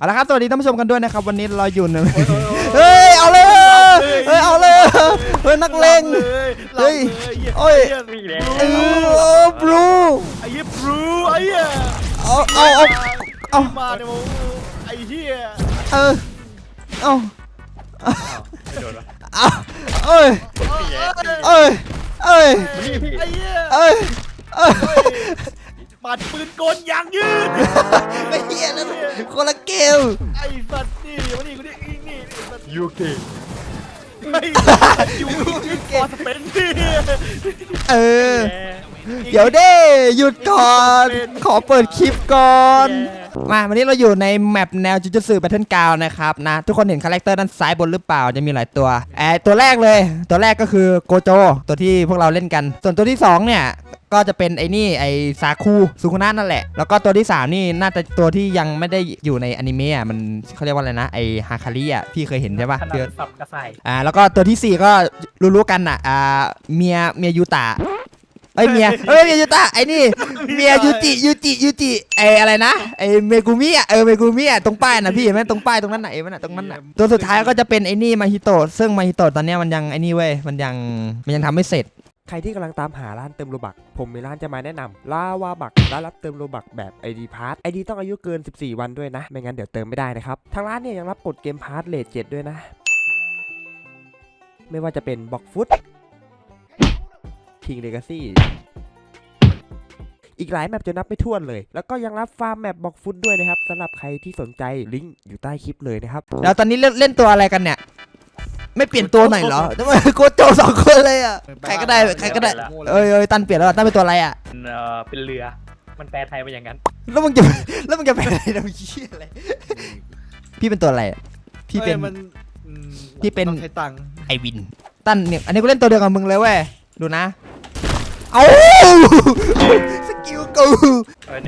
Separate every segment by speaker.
Speaker 1: เอาละครับสวัสดีท่านผู้ชมกันด้วยนะครับวันนี้เราอยู่ในเฮ้ยเอาเลยเฮ้ยเอาเลยเฮ้ยนักเลงเฮ้ยโอ้ยบลู
Speaker 2: ไอ้เหี้ยบลูไอ้เหี้ย
Speaker 1: เอา
Speaker 2: มาเนี่ยมึงไอ้เหี้ย
Speaker 1: เอาเอาเอ้ยเอ้ยเอ้ย
Speaker 2: ไอ้เหี้ย
Speaker 1: เอ้ย
Speaker 2: ปาดปืนกลยางยืด
Speaker 1: ไม่เหี้ยนะคนละเกม
Speaker 2: ไอ้สัตว์นี่วันนี้กูนี่
Speaker 3: ยูเก
Speaker 2: ไอ้ยูเกสเปนที่
Speaker 1: เดี๋ยวเด้หยุดก่อนขอเปิดคลิปก่อนมาวันนี้เราอยู่ในแมปแนวจูจูสึแบทเทิลกราวด์นะครับนะทุกคนเห็นคาแรคเตอร์ด้านซ้ายบนหรือเปล่าจะมีหลายตัวตัวแรกเลยตัวแรกก็คือโกโจตัวที่พวกเราเล่นกันส่วนตัวที่2เนี่ยก็จะเป็นไอ้นี่ไอ้ซาคุซุคุนะนั่นแหละแล้วก็ตัวที่3นี่น่าจะตัวที่ยังไม่ได้อยู่ในอนิเมะอ่ะมันเขาเรียกว่าอะไรนะไอ้ฮาคาริอ่ะพี่เคยเห็นใช่ปะ
Speaker 3: เดือดสับกระใส
Speaker 1: แล้วก็ตัวที่4ก็รู้ๆกันอ่ะเมียยูตะเมียยูตะไอ้นี่เมียยูจิอะไรนะไอ้เมกุมิอ่ะเมกุมิอ่ะตรงป้ายน่ะพี่เห็นไหมตรงป้ายตรงนั้นไหนมันตรงนั้นน่ะตัวสุดท้ายก็จะเป็นไอ้นี่มาฮิโตะซึ่งมาฮิโตะตอนนี้มันยังไอ้นี่เว้ยมันยังทำไม่เสร็จ
Speaker 4: ใครที่กำลังตามหาร้านเติมโลบักผมมีร้านจะมาแนะนำลาวาบักร้านรับเติมโลบักแบบ ID Pass ID ต้องอายุเกิน14วันด้วยนะไม่งั้นเดี๋ยวเติมไม่ได้นะครับทางร้านเนี่ยยังรับกดเกมพาร์ทเลท7ด้วยนะไม่ว่าจะเป็นบ็อกฟุตคิงเลกาซี่อีกหลายแมปจะนับไม่ถ้วนเลยแล้วก็ยังรับฟาร์มแมปบ็อกฟุตด้วยนะครับสำหรับใครที่สนใจลิงก์อยู่ใต้คลิปเลยนะครับ
Speaker 1: แล้วตอนนี้เล่นตัวอะไรกันเนี่ยไม่เปลี่ยนตัวหน่อยเหรอทำไมโกโจ2คนเลยอ่ะใครก็ได้ตันเปลี่ยนแล้วตันเป็นตัวอะไรอ่ะ
Speaker 3: เป็นเรือมันแปลไทยมาอย่างนั้น
Speaker 1: แล้วมึงจะเป็นอะไรนะพี่อะไรพี่เป็นตัวอะไรพี่เป็น
Speaker 2: ใช้ตัง
Speaker 1: ไอวินตันเนี่ยอันนี้กูเล่นตัวเดียวกับมึงเลยเว้ยดูนะเอาสกิลกู
Speaker 3: ใน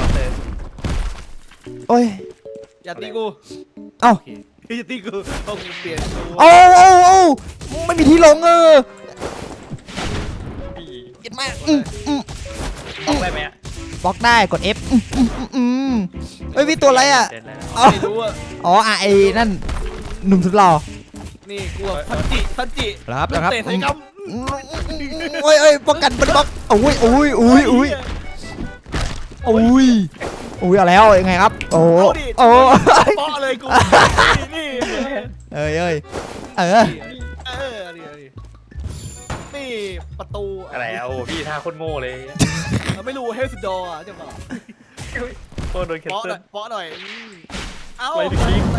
Speaker 1: โอ้ย
Speaker 2: อย่าตีกู
Speaker 1: เอ้า
Speaker 2: อย่าตีกูต้องเปลี่ยน
Speaker 1: โอ้ไม่มีที่ลงเก็บมาก
Speaker 3: บล็อกได้ไหม
Speaker 1: บล็อกได้กด F เฮ้ยพี่ตัวอะไรอ่ะ
Speaker 2: ไม่รู้อ่ะ
Speaker 1: ไอ้นั่นหนุ่มสุดหล่อ
Speaker 2: นี่กูซันจิ
Speaker 1: ครับ
Speaker 2: เตะใส่กำ
Speaker 1: โอ้ยป้องกันมันบล็อกโอ้ยเอาแล้วยังไงครับโอ้
Speaker 2: ป้อเลยกูนี่นี่ประตู
Speaker 3: อะไรพี่ท่าโคตรโง่เลย
Speaker 2: ไม่รู้เฮลซิดอร์จะบอก
Speaker 3: โดนแคนเซิล
Speaker 2: ป้อหน่อยเอาอะไร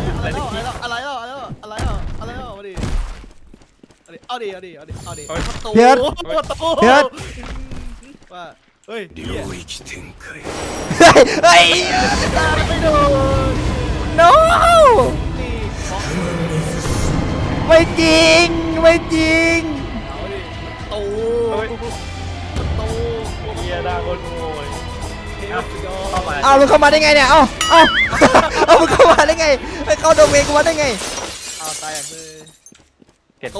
Speaker 2: มาดิเอาดิประตูว่าเฮ้ยไม่โดน
Speaker 1: no ไม่จริง
Speaker 2: เอาดิประตู
Speaker 3: เฮียด่าคนโง่
Speaker 1: เอามึงเข้ามาได้ไงเนี่ยเอามึงเข้ามาได้ไงไปเข้าโดเมนกูมาได้ไง
Speaker 2: เอาตายอย่างเลย
Speaker 3: ประ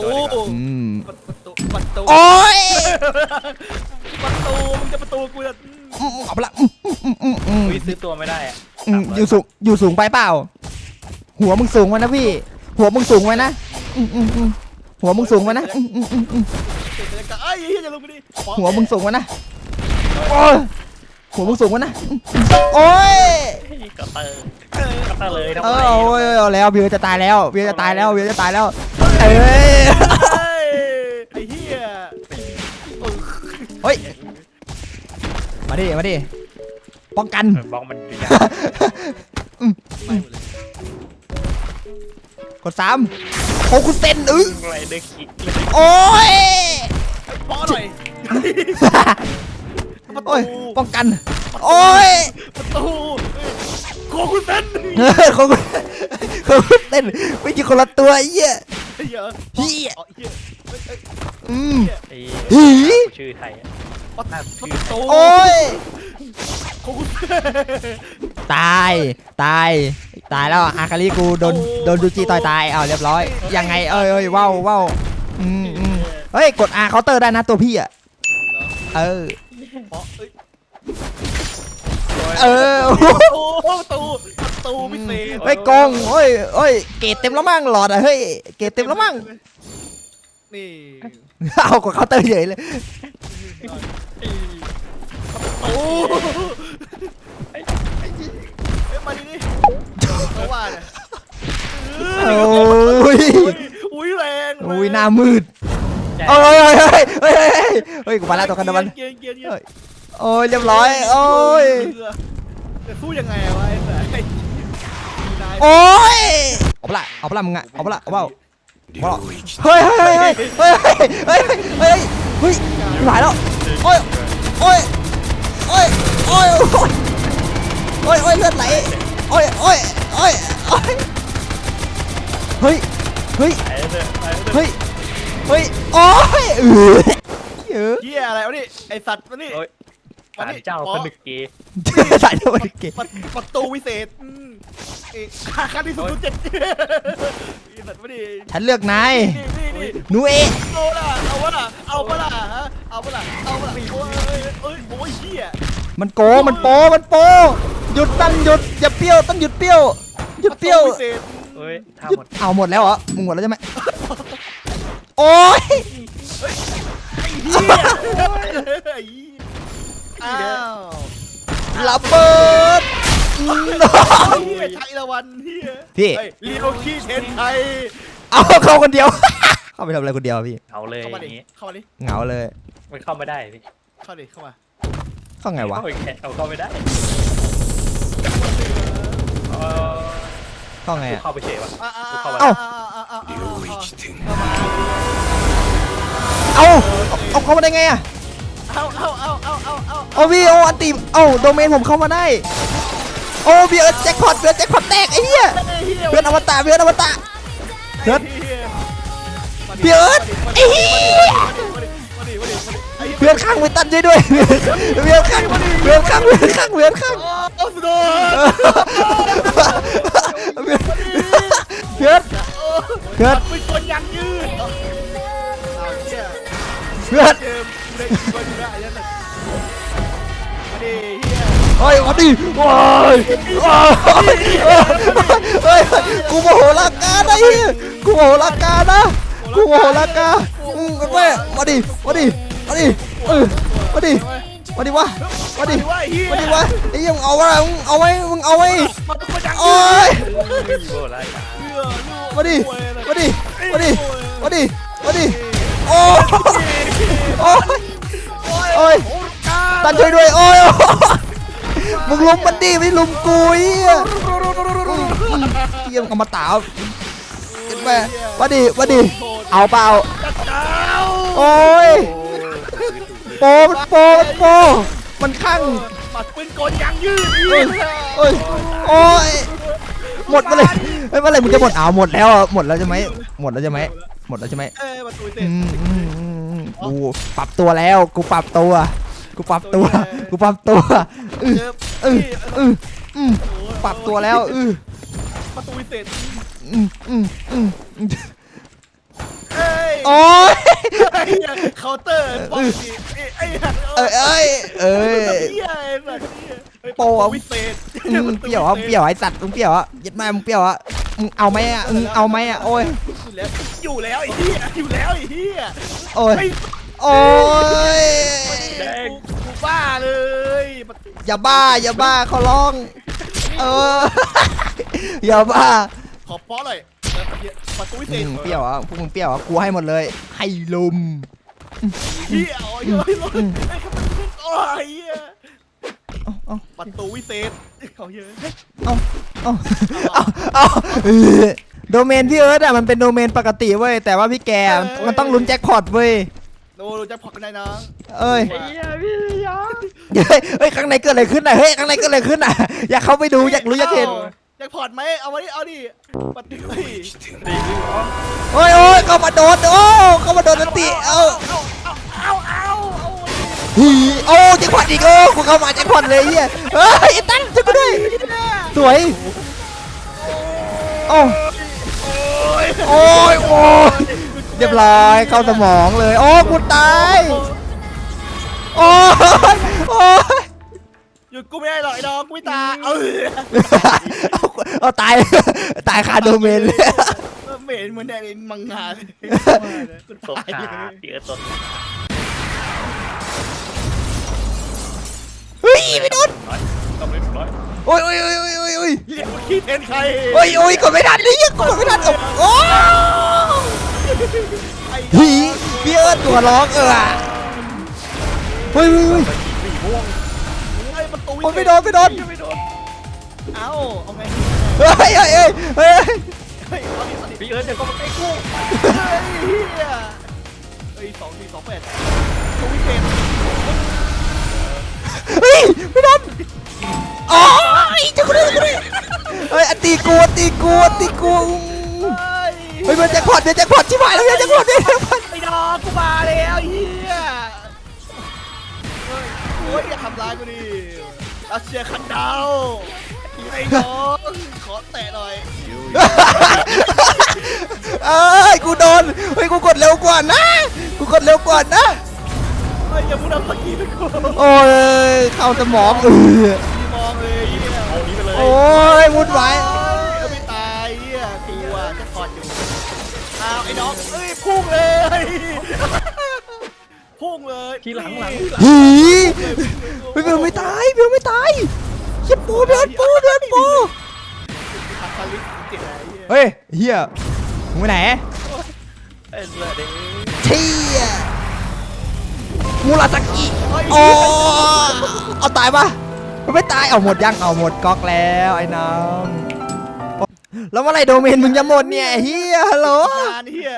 Speaker 2: ตู
Speaker 1: โอ้ย
Speaker 2: มึงจะประตูกูจะ
Speaker 1: เอาไปละ
Speaker 3: ซื้อตัวไม่ได้
Speaker 1: อยู่สูงไปเปล่าหัวมึงสูงไว้นะพี่หัวมึงสูงไว้นะหัวมึงสูงไว้นะหัวมึงสูงไว้นะหัวมึงสูงไว้นะโอ้ย
Speaker 3: กระเตอร์เลย
Speaker 1: เอาแล้วเบียร์จะตายแล้วเอ้ย
Speaker 2: ไอ้เหี้ย
Speaker 1: เฮ้ยมาดิป้องกัน
Speaker 3: บล็อกมัน
Speaker 1: กด3โอ้คุณเต้น
Speaker 3: อะไรเด็กขี้
Speaker 1: โอ้ย
Speaker 2: ป้อหน่อย
Speaker 1: โอ้ยป้องกันโอ้ย
Speaker 2: ประตูโคคุณเต้น
Speaker 1: ไม่ใช่คนละตัวเหี้ย
Speaker 3: ชื่อไทย
Speaker 1: โอ้ยตายแล้วอาคาริกูโดนดูจิต่อยตายเรียบร้อยยังไงว้าวเฮ้ยกด R เคาน์เตอร์ได้นะตัวพี่อ่ะ
Speaker 2: ประตูตูพิเศษ
Speaker 1: เฮ้ยกองเฮ้ยเฮ้ยเกรดเต็มแล้วมั้งหลอดอะเฮ้ยเกรดเต็มแล้วมั้ง
Speaker 2: นี่
Speaker 1: เอากว่าเคาน์เตอร์เฉยเลย
Speaker 2: โอ้เอ้ยมาดินี่เขาว่าเนี่ย
Speaker 1: โอ้ย
Speaker 2: อุ้ยแรง
Speaker 1: โอ้ยหน้ามืด
Speaker 3: ใช่
Speaker 1: เฮ้ยเฮ้ยเฮ้ยเฮ้ยเฮ้ยกูมาแล้วตัวกันนะมัน
Speaker 2: เกียร์
Speaker 1: โอ้ยเรียบร้อยโอ้ย
Speaker 2: จะสู้ยังไงวะไอ้สายนาย
Speaker 1: โอ้ยเอาปะละเอาปะละมึงอะเอาปะละเอาเปล่าเฮ้ยเฮ้ยเฮ้ยเฮ้ยเฮ้ยเฮ้ยเฮ้ยหลายแล้วโอ้ยโอ้ยโอ้ยโอ้ยโอ้ยโอ้ยโอ้ยเลือดไหลโอ้ยโอ้ยโอ้ยโอ้ยเฮ้ยเฮ้ย
Speaker 3: ไปเถอะไปเถอะ
Speaker 1: เฮ้ยเฮ้ยโอ้ยเยอะ
Speaker 2: เฮียอะไรวะนี่ไอสัตว์วะนี่
Speaker 3: โอ้ยศาลเจ้าพนึกเกย์
Speaker 1: สายเดียวกันเก๋
Speaker 2: ประตูวิเศษขั้นที่สุดเจ็ดไอสัตว์วะนี่
Speaker 1: ฉันเลือกนาย
Speaker 2: นี่
Speaker 1: หนูเอ
Speaker 2: เอาละเอาวะล่ะเอาวะล่ะฮะเอาวะล่ะเอาวะล่ะโอ้ยโอ้ยเฮีย
Speaker 1: มันโกมันโปมันโปหยุดตั้งหยุดอย่าเปรี้ยวต้องหยุดเปรี้ยวหยุดเปรี้ยว
Speaker 2: วิเศษ
Speaker 3: เฮ้ยท่า
Speaker 1: หยุ
Speaker 3: ห
Speaker 1: ด
Speaker 3: มด
Speaker 1: เอาหมดแล้วเหรอมึงหมดแล้วใช่ไหมโอ้ย
Speaker 2: เฮียอ้าว
Speaker 1: ระเบิด
Speaker 2: เฮียชัยละวันเฮีย
Speaker 1: พี่
Speaker 2: ลีโอคีเทนไทย
Speaker 1: เอาเข้าคนเดียว เข้าไปทำอะไรคนเดียวพี่
Speaker 3: เอาเลย
Speaker 2: เข้า
Speaker 3: อ
Speaker 2: มาดิ
Speaker 3: ย่างงี้
Speaker 2: เข้ามาดิ
Speaker 1: เหงาเลย
Speaker 3: มันเข้าไม่ได้พี่
Speaker 2: เข้าดิเข้ามา
Speaker 1: เข้าไงวะ
Speaker 3: เข้าไปแค่เอาเข้าไม่ได้เออ
Speaker 1: เข้าไงอะ
Speaker 3: เข้าไปเฉยวะ
Speaker 1: เอาเข้ามาได้ไงอะ
Speaker 2: เอา
Speaker 1: เอาพี่เอาอันตีเอาโดเมนผมเข้ามาได้โอ้พี่เอิร์ธแจ็คพอตเอิร์ธแจ็คพอตแตกไอ้เหี้ยเอิร์ธอมตะเอิร์ธอมตะเอิร์ธพี่เอิร์ธไอ้เหี้ยเพื่อนข้างไปตันช่วยด้วยเพื่อนข้างเพื่อนข้างเพื่อนข้างเพื่อนข้าง
Speaker 2: โอ้สุดยอด
Speaker 1: เพื่อนเพื่อน
Speaker 2: เป็นคนยังยืด
Speaker 1: เพื่อน
Speaker 2: เกมได้ยินว่าอยู่ได้ยังไงมาดิเฮีย
Speaker 1: เฮ้ยมาดิโอ้ยเฮ้ยกูโมโหลาการนะเฮียกูโมโหลาการนะกูโมโหลาการแม่มาดิมาดิมาดิมาดิมาดิวะมาดิมาดิวะไอ้ยังเอาวะมึงเอาไว้มึงเอาไว้
Speaker 2: มาตุ้มมาจัง
Speaker 1: โอ้ย
Speaker 3: โอ้ไร
Speaker 1: มาดิมาดิมาดิมาดิมาดิโอ้ยโอ้ยโอ้ยตันช่วยด้วยโอ้ยมึงลุมมันดิไม่ลุมกูเฮียเฮียมึงเอามาตาเห็นไหมมาดิมาดิเอาเปล่าโอ้ยโปมันโปมันโปมันข้าง
Speaker 2: มัดปืนกลยังยืด
Speaker 1: เอ้ยเอ้ยโอ้ยหมดมาเลยเฮ้ยเมื่อไหรมึงจะหมดเอาหมดแล้วหมดแล้วใช่ไหมหมดแล้วใช่ไหมหมดแล้วใช่ไหม
Speaker 2: ประตูเสร็จ
Speaker 1: กูปรับตัวแล้วกูปรับตัวกูปรับตัวกูปรับตัวปรับตัวแล้ว
Speaker 2: ประตูเสร็จ
Speaker 1: โอ้ย
Speaker 2: เคาน์เตอร์ป้องดีไอ้
Speaker 1: โปอ่ะ
Speaker 2: วิเศษ
Speaker 1: เปรี้ยวอ่ะเปรี้ยวไอ้สัตว์มึงเปรี้ยวอ่ะยัดแม่มึงเปรี้ยวอ่ะมึงเอาไหมอ่ะมึงเอาไหมอ่ะโอ้ย
Speaker 2: อยู่แล้วไอ้เหี้ยอยู่แล้วไอ้เหี้ย
Speaker 1: โอ้ยโอ้ย
Speaker 2: แดงกูบ้าเลย
Speaker 1: อย่าบ้าเขาร้องอย่าบ้า
Speaker 2: ขอป้อหน่อยประตูวิเศษ
Speaker 1: เปรี้ยวอ่ะพวกมึงเปรี้ยวอ่ะกูให้หมดเลยให้ลุม
Speaker 2: เหี้ยโอ้ยโอ้ยเหี้ยประตูวิเศษเขาเยอะ
Speaker 1: เอาโดเมนพี่เอิร์ธอ่ะมันเป็นโดเมนปกติเว้ยแต่ว่าพี่แกมันต้องลุ้นแจ็คพอตเว้ย
Speaker 2: ดูจะพอกันได้นะ
Speaker 1: เอ้ย
Speaker 3: ไอ้เหี้ยพี่ยอม
Speaker 1: เฮ้ยข้างในเกิดอะไรขึ้นน่ะเฮ้ยข้างในเกิดอะไรขึ้นน่ะอยากเข้าไปดูอยากรู้อยากเห็น
Speaker 2: จะพอดไหมเอามาดิเอาดิประตู
Speaker 1: โอ้ยเข้ามาโดนเข้ามาโดนนันติโอ้แจ็คพอตอีกกูเข้ามาแจ็คพอตเลยเฮียเฮ้ยตั้นช่วยกูด้วยสวยโอ้ยเรียบร้อยเข้าสมองเลยโอ้กูตายโอ้ย
Speaker 2: หยุดกูไม่ได้หรอกไอ้น้องกูไม่ตาย
Speaker 1: เอาตาย ตายคาโดเมนเลย
Speaker 2: เหม็นเหมือนแดนมังงะเลย
Speaker 3: สดขาเดี๋ยวสด
Speaker 1: เฮ้ยไม่โดน
Speaker 3: ต้องเล่นร้อย
Speaker 1: โอ้ยโอ้ยโอ้ยโอ้ยโอ้ยโอ้ย
Speaker 2: เรียกว่าขี้เทนใคร
Speaker 1: โอ้ยโอ้ยกดไม่ทันเลยกดไม่ทันโอ้หีพี่เอิร์ธตัวร้องเฮ้ยเฮ้ยเฮ้ย
Speaker 2: ไอ้ประตู
Speaker 1: โอ้ยไม่โดนไม่โดน
Speaker 3: ไม่โดน
Speaker 2: เอ้าเอาไง
Speaker 1: เฮ้ยเฮ้ยเฮ้ยเฮ้ย
Speaker 2: เฮ้ยเอาดิเอาดิ
Speaker 3: พี่เอิร์ธเดี๋ยวก็มาใกล้กู
Speaker 2: เฮ้ย2-4-2-8ตัววิเศษ
Speaker 1: เฮ้ยไม่โดนโอ้ยจะกูได้เฮ้ยตีกูตีกูตีกูเฮ้ยมันแจ็คพอตเนี่ยแจ็คพอตชิบหายแล้วเนี่ยแจ็คพอตเนี่ย
Speaker 2: ไอ้ดอกกูมาแล้วเฮียโอ้ยอย่าทำร้ายกูดิรัสเซียคันดาวไอ้น้องขอแตะหน่อย
Speaker 1: เอ้ยกูโดนเฮ้ยกูกดเร็วกว่านะกูกดเร็วกว่านะ
Speaker 2: เฮ้ยอย่าพูดเอาสกีไปกู
Speaker 1: โอ้ยเข้าสมอง
Speaker 2: พี่มองเลยเฮีย
Speaker 3: เอานี้ไปเลย
Speaker 1: โอ้ยวุ่นวาย
Speaker 2: ไม่ตายเฮียกูอ่ะจะถอดอยู่อ้าวไอ้น้องเอ้ยพุ่งเลยพุ่งเลย
Speaker 3: ทีหลัง
Speaker 1: หีเฮ้ยเบลไม่ตายเบลไม่ตายเฮียปูเดินปูเดินปู
Speaker 2: ทำคาลิสเจ็ดไอ้เฮีย
Speaker 1: เฮ้ยเฮียมึงไปไหน
Speaker 3: เอ็นเลยดิ
Speaker 1: เชี่ยมูราสกิโอ้เอาตายปะมันไม่ตายเอาหมดยังเอาหมดก๊อกแล้วไอ้น้องแล้วเมื่อไหรโดเมนมึงจะหมดเนี่ยเฮียฮัลโหล
Speaker 2: งานเฮีย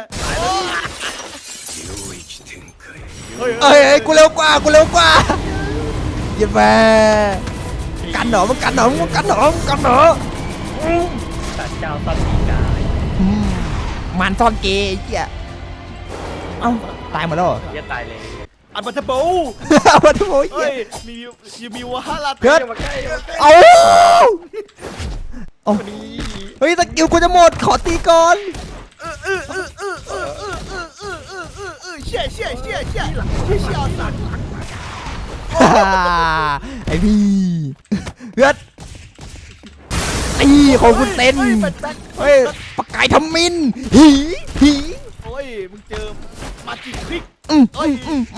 Speaker 1: เอ้ยกูเร็วกว่ากูเร็วกว่าเย็นแม่กันเหรอมึงกันเหรอมึงกันเหรอมึงกันเหรอ
Speaker 3: ตัดเจ้าตัดสีกาย
Speaker 1: มันซ่อนเกย์ไอ้เหี้ยเอ้าตายหมดแล้วเหรอ
Speaker 3: เหี้ยตายเลย
Speaker 2: อันบัตเตอร์โบ
Speaker 1: เอามาทุกคน
Speaker 2: เฮ้ยมีวาฮารา
Speaker 1: เพื่อน
Speaker 3: มาใกล้มาใกล้
Speaker 1: เอาเอาเฮ้ยสกิลกูจะหมดขอตีก่อน
Speaker 2: เชี่ยสัตว์
Speaker 1: ไอพี่เพื่อนไอ้ของคุณเต้นเฮ้ยปากกายทำมินหีหี
Speaker 2: โอ้ยมึงเจอมาจิคลิก
Speaker 1: เอ้ย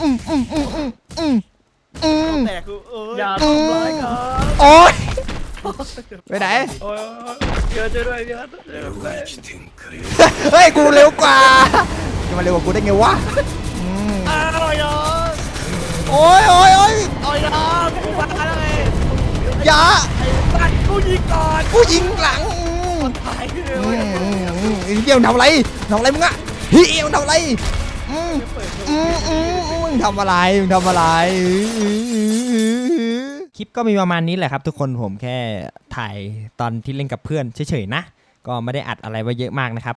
Speaker 2: แตกกู
Speaker 3: อย่าทำร้ายกัน
Speaker 1: โอ๊ยไปไหน
Speaker 3: โอ้ยเจอด้วยพี่เอิร์ธเจอด้วย
Speaker 1: เฮ้ยกูเร็วกว่าจะมาเร็วกว่ากูได้ไงวะ
Speaker 2: อ้าวไอ้น้อง
Speaker 1: โอ้ยโอ้ยโอ้ย
Speaker 2: ไอ้น้องกูมาแล้วไง
Speaker 1: อย่า
Speaker 2: ไอ้สัตว์กูยิงก่อน
Speaker 1: กูยิงหลัง
Speaker 2: ตายเลย
Speaker 1: เดี๋ยวทำอะไรมึงอะเฮียมึงทำอะไรมึงทำอะไรคลิปก็มีประมาณนี้แหละครับทุกคนผมแค่ถ่ายตอนที่เล่นกับเพื่อนเฉยๆนะก็ไม่ได้อัดอะไรไว้เยอะมากนะครับ